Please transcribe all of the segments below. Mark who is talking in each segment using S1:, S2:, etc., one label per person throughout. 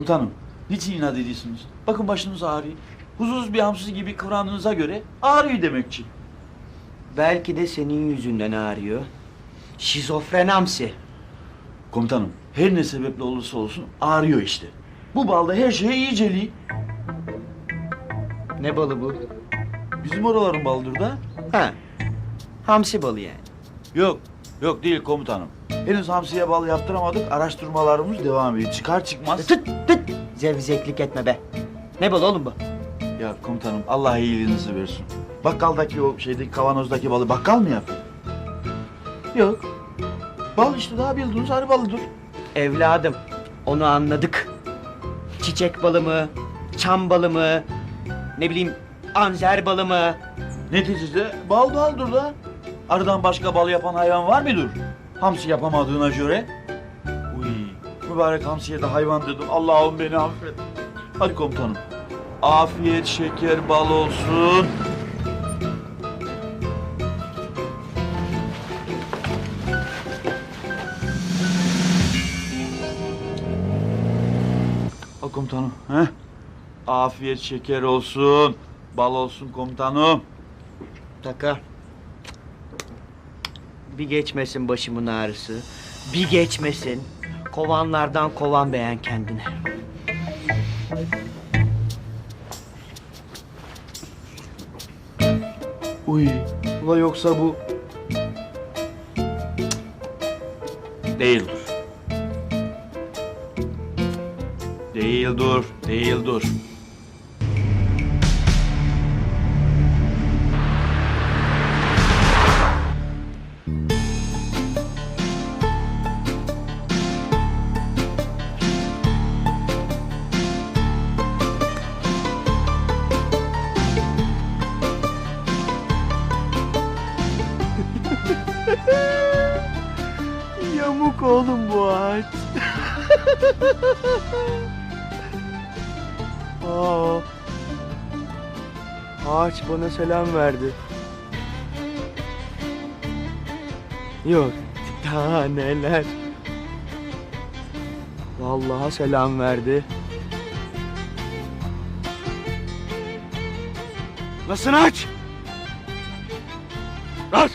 S1: Komutanım, niçin inat ediyorsunuz? Bakın başınız ağrıyor. Huzursuz bir hamsi gibi kıvrandığınıza göre ağrıyor demekçi.
S2: Belki de senin yüzünden ağrıyor. Şizofren hamsi.
S1: Komutanım, her ne sebeple olursa olsun ağrıyor işte. Bu balda her şeye iyiceliği.
S2: Ne balı bu?
S1: Bizim oraların balıdır da.
S2: Ha, hamsi balı yani.
S1: Yok değil komutanım. Henüz hamsiye bal yaptıramadık, araştırmalarımız devam ediyor. Çıkar çıkmaz...
S2: Tıt tıt! Zevzeklik etme be. Ne balı oğlum bu?
S1: Ya komutanım, Allah iyiliğinizi versin. Bakkaldaki o şeydeki kavanozdaki balı bakkal mı yapıyor? Yok. Bal işte, daha bildiğiniz arı balıdır.
S2: Evladım, onu anladık. Çiçek balı mı? Çam balı mı? Ne bileyim, anzer balı mı?
S1: Neticede bal baldır da. Arıdan başka bal yapan hayvan var mıdır? Hamsi yapamadığına göre. Uy, mübarek hamsiye de hayvan dedim. Allah'ım beni affet. Hadi komutanım. Afiyet şeker bal olsun. Al komutanım. Heh. Afiyet şeker olsun. Bal olsun komutanım.
S2: Taka. Bir geçmesin başımın ağrısı. Bir geçmesin. Kovanlardan kovan beğen kendine.
S1: Uy, ula yoksa bu... Değildir. Değildir.
S2: Yamuk oğlum bu ağaç. Ağaç bana selam verdi. Yok, daha neler. Vallahi selam verdi. Nasıl aç? Aç!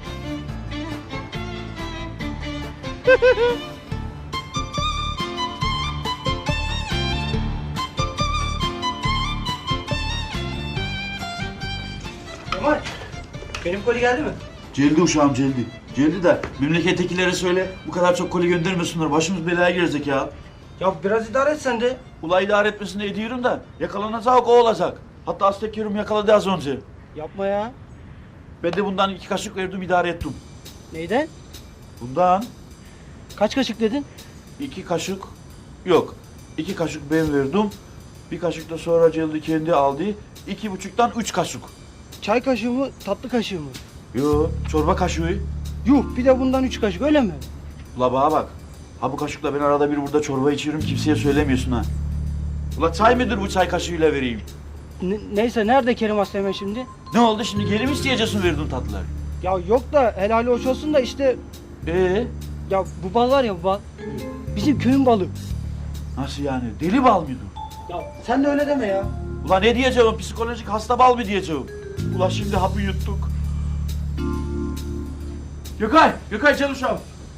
S2: Kemal, benim koli geldi mi?
S1: Celdi uşağım celdi. Celdi de memlekettekilere söyle bu kadar çok koli göndermesinler. Başımız belaya girecek ya.
S2: Ya biraz idare et sen de.
S1: Ula idare etmesini ediyorum da yakalanacak o olacak. Hatta Aztek Kerim yakaladı az önce.
S2: Yapma ya.
S1: Ben de bundan 2 kaşık verdim, idare ettim.
S2: Neyden?
S1: Bundan
S2: Kaç kaşık dedin?
S1: 2 kaşık yok. 2 kaşık ben verdim. 1 kaşık da sonra Celdi kendi aldı. 2,5'tan 3 kaşık.
S3: Çay kaşığı mı, tatlı kaşığı mı?
S1: Yo, çorba kaşığı.
S3: Yuh, bir de bundan 3 kaşık, öyle mi?
S1: Ula bana bak. Ha bu kaşıkla ben arada bir burada çorba içiyorum, kimseye söylemiyorsun ha. Ula çay mıdır bu, çay kaşığıyla vereyim?
S3: Neyse, nerede Kerim Aslı'yla şimdi?
S1: Ne oldu şimdi, geri mi isteyeceksin verdiğin tatlıları?
S3: Ya yok da helali hoş olsun da işte... Ya bu bal var ya, bu bal. Bizim köyün balı.
S1: Nasıl yani, deli bal mıydı?
S3: Ya sen de öyle deme ya.
S1: Ula ne diyeceğim, psikolojik hasta bal mı diyeceğim? Ula şimdi hapı yuttuk. Gökay gel uşağım.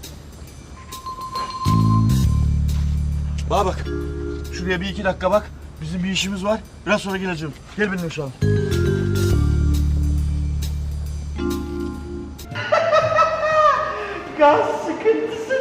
S1: Bana bak, şuraya bir 2 dakika bak. Bizim bir işimiz var, biraz sonra geleceğim. Gel benimle uşağım.
S2: Gaz sıkıntısı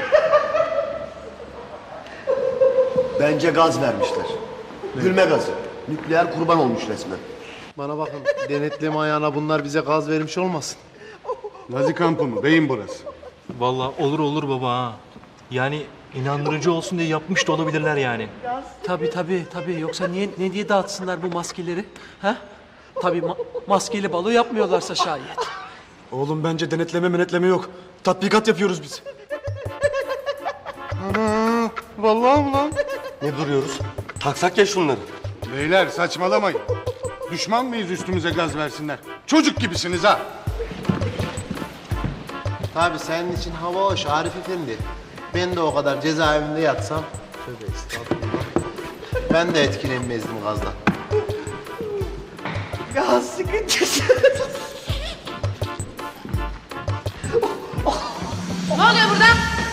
S4: Bence gaz vermişler. Gülme gazı. Nükleer kurban olmuş resmen.
S5: Bana bakın, denetleme ayağına bunlar bize gaz vermiş olmasın. Nazi kampı mı? Beyin burası.
S6: Vallahi olur baba ha. Yani inandırıcı olsun diye yapmış da olabilirler yani.
S7: Tabii. Yoksa ne diye dağıtsınlar bu maskeleri? Ha? Tabii maskeli balo yapmıyorlarsa şayet.
S8: Oğlum bence denetleme yok. Tatbikat yapıyoruz biz.
S5: Ana, vallahi mi lan?
S4: Ne duruyoruz? Taksak ya şunları.
S5: Beyler saçmalamayın. Düşman mıyız üstümüze gaz versinler? Çocuk gibisiniz ha.
S4: Tabii senin için hava hoş Arif Efendi. Ben de o kadar cezaevinde yatsam. Tövbe estağfurullah.
S5: Ben de etkilenmezdim gazdan.
S2: Gaz sıkıntısı.
S9: Ne oluyor burada?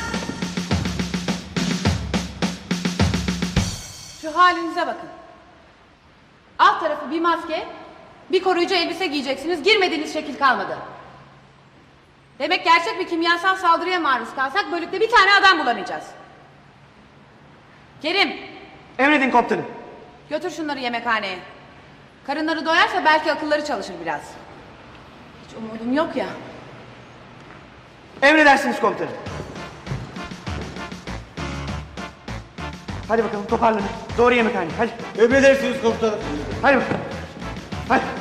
S9: Şu halinize bakın. Alt tarafı bir maske, bir koruyucu elbise giyeceksiniz. Girmediğiniz şekil kalmadı. Demek gerçek bir kimyasal saldırıya maruz kalsak bölükte bir tane adam bulamayacağız. Kerim,
S2: Emredin komutanım.
S9: götür şunları yemekhaneye. Karınları doyarsa belki akılları çalışır biraz. Hiç umudum yok ya.
S2: Emredersiniz komutanım. Hadi bakalım toparlanın. Doğru yemekhaneye hadi.
S3: Emredersiniz komutanım.
S2: Hadi bakalım. Hadi.